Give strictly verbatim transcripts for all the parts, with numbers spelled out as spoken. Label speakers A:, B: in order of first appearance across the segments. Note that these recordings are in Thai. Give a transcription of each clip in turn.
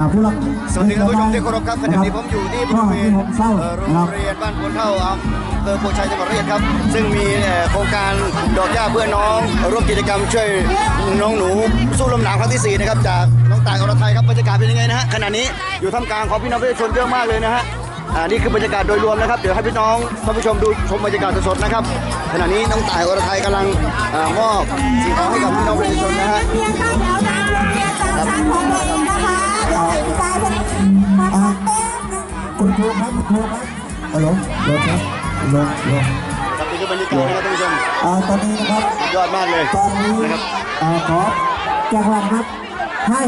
A: สวัสดีท่านผู้ชมที่เคารพครับขณะนี้ผมอยู่ที่บริเวณโรงเรียนบ้านพลเท่าอำเภอโพชัยจังหวัดร้อยเอ็ดครับซึ่งมีโครงการดอกหญ้าเพื่อน้องร่วมกิจกรรมช่วยน้องหนูสู้ลมหนาวครั้งที่สี่นะครับจากน้องต่ายอรไทยครับบรรยากาศเป็นยังไงนะฮะขณะนี้อยู่ท่ามกลางของพี่น้องประชาชนเยอะมากเลยนะฮะอ่านี่คือบรรยากาศโดยรวมนะครับเดี๋ยวให้พี่น้องท่านผู้ชมดูชมบรรยากาศสดๆนะครับขณะนี้น้องต่ายอรไทยกำลังมอบสิ่งของให้กับพี่น้องประชาชนนะฮะ
B: คุณครูครับคุณครูครับฮัลโหลรถครับรถรถ
A: ครับนี่คือบรรยากาศนะครับท่านผู้ชม
B: อ่าตอนนี้นะครับ
A: ยอดมากเลย
B: ตอนนี้
A: นะครับ
B: อ่าขอแจ้งว่าครับให้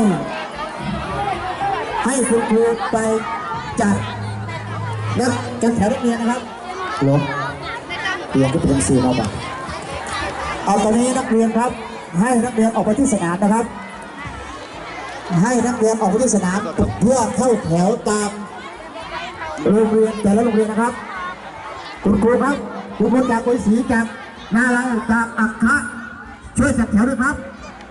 B: ให้คุณครูไปจัดนักกันแถวนักเรียนนะครับหลงเรียนก็เป็นสื่อมาบ้างเอาตอนนี้นักเรียนครับให้นักเรียนออกไปที่สนามนะครับให้นักเรียนออกไปที่สนามเพื่อเข้าแถวตามโรงเรียนแต่ละโรงเรียนนะครับคุณครูครับคุณครูจากกุยศรีจากนาลายจากอัคคะช่วยจัดแถวด้วยครับ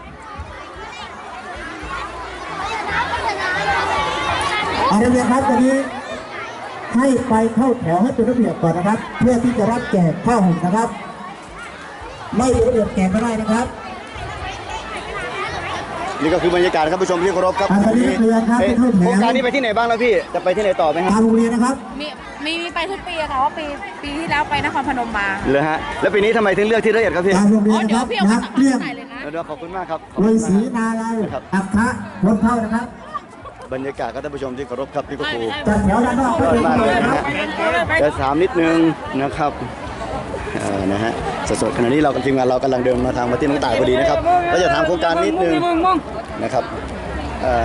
B: อาจารย์ครับตอนนี้ให้ไปเข้าแถวให้เป็นระเบียบก่อนนะครับเพื่อที่จะรับแจกข้าวหุงนะครับไม่เป็นระเบียบแจกไม่ได้นะครับ
A: นี่ก็คือบรรยากาศครับผู้ชมที่เคารพครับ
B: อ่าตอนนี้นักเรียนครับ
A: เอ๊ะ
B: ไปเข้าแถว
A: โครงการนี้ไปที่ไหนบ้างแล้วพี่จะไปที่ไหนต่อไหมค
B: ทา
A: รับ
B: งโรงเรียนนะครับ
C: มีมีมีไปทุกปีอะค่ะว่าปีปีที่แล้วไปนครพนมมา
A: เลยฮะแล้วปีนี้ทำไมถึงเลือกที่ร้อยเอ็ดครับพี่
B: ทางโรงเรี
C: อ๋
B: ย
C: อน
B: นะ
C: เดี๋
B: ค
C: ยว
B: รับ
C: พี่เอา
B: นั
C: มาก จาก
B: เรียน
C: ไหนเลยนะ
A: เดี๋ยวขอบคุณมากครับขอบ
B: กุ
A: คุ
B: ย
A: ณ
B: ศรี
A: มาก
B: นาลาย
A: ครับ
B: อัคคะพ้นเท่านะครับ
A: บรรยากาศครับท่านผู้ชมที่เคารพครับพี่กครู
B: จัดแถวด้านนอก
A: ยอดมากเลยนะ
B: ครั
A: ฮะ
B: บ
A: จะถามนิดนึงนะครับเอ่อนะฮะสดๆขณะนี้เรากับทีมงานเรากำลังเดินมาทางมาที่น้องต่ายพอดีนะครับเราจะถามโครงการนิดนึงนะครับเอ่อ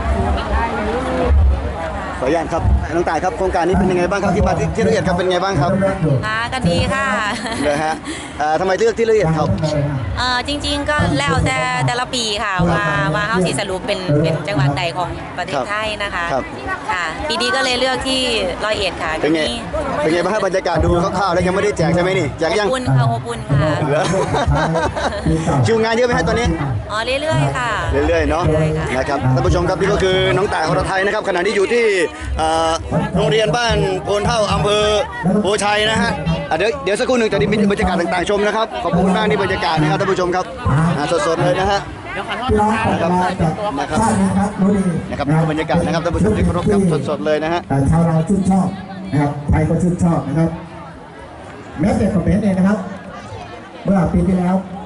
A: ขออนุญาตครับน้องต่ายครับโครงการนี้เป็นยังไงบ้างครับที่มาที่ที่ร้อยเอ็ดครับเป็นยังไงบ้างครับ
D: ค่ะก็ดีค่ะ
A: เลยฮะเอ่อทำไมเลือกที่ร้อยเอ็ดครับ
D: เอ่อจริงๆก็แล้วแต่แต่ละปีค่ะว่าว่าเฮาสิสรุปเป็นเป็นจังหวัดใดของประเทศไทยนะคะค่ะปีนี้ก็เลยเลือกที่ร้อยเอ็ดค่ะ
A: เป็นไงเป็นไงบ้างครับบรรยากาศดูคร่าวๆแล้วยังไม่ได้แจกใช่ไหมนี่แจกยัง
D: อบอุ่นค่ะอบอุ่นค่ะ
A: เหลือ คิวงานเยอะไหมฮะตอนนี้
D: อ๋อเรื่อยๆค่ะ
A: เรื่อยๆเนาะ
D: เรื่อยๆค่ะ
A: นะครับท่านผู้ชมครับนี่ก็คือน้องต่ายอรไทยนะครับขณะนี้อยู่ที่เอ่อโรงเรียนบ้านโพนเท่าอำเภอโพชัยนะฮะอ่ะเดี๋ยวเดี๋ยวสักครู่หนึ่งจะมีบรรยากาศต่างๆชมนะครับขอบคุณมากนี่บรรยากาศนะครับท่านผู้ชมครับอ่ะสดๆเลยนะฮะ
B: พี่น้องออกมาจากชาตินี้ครับรู้ดี
A: นะครับนี่คือบรรยากาศนะครับท่านผู้ชมที่เคารพครับสดๆเลยนะฮะ
B: แต่ชาวเราชื่นชอบนะครับไทยก็ชื่นชอบนะครับแม้แต่คอมเมนต์เองนะครับเมื่อปีที่แล้ว